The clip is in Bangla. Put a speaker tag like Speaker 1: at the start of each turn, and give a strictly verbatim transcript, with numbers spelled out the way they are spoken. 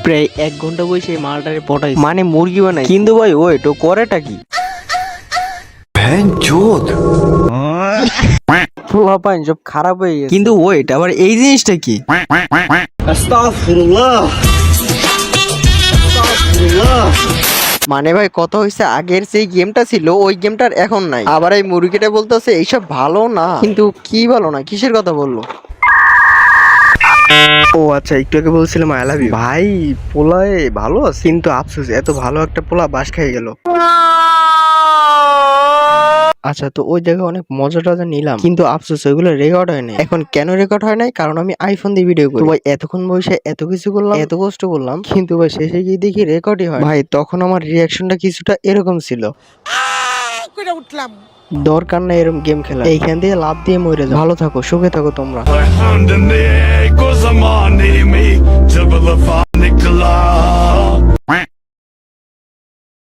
Speaker 1: প্রায় এক ঘন্টা বসে মালটারে পটাই মানে মুরগি বানাই, কিন্তু ভাই ওয়েট ও করেটা কি? পোলাপাইন সব খারাপ হয়ে গেছে, কিন্তু ওয়েট আবার এই জিনিসটা কি? মানে ভাই কথা হয়েছে আগের সেই গেমটা ছিল ওই গেমটার এখন নাই, আবার এই মুরগিটা বলতেছে এইসব ভালো না, কিন্তু কি ভালো না কিসের কথা বললো? ও আচ্ছা, একটু আগে বলছিলাম আই লাভ ইউ। ভাই পোলায় ভালো আছে, কিন্তু আফসোস এত ভালো একটা পোলা বাস খেয়ে গেল। আচ্ছা, তো ওই জায়গায় অনেক মজা টজা নিলাম, কিন্তু আফসোস ওইগুলো রেকর্ড হয় নাই। এখন কেন রেকর্ড হয় নাই? কারণ আমি আইফোন দিয়ে ভিডিও করি। তো ভাই এতক্ষণ বসে এত কিছু করলাম, এত কষ্ট করলাম, কিন্তু ভাই শেষে গিয়ে দেখি রেকর্ডই হয়। ভাই তখন আমার রিয়াকশনটা কিছুটা এরকম ছিল, উঠলাম দরকার নাই এরকম গেম খেলা, এইখান দিয়ে লাভ দিয়ে মরে যাও। ভালো থাকো, সুখে থাকো তোমরা।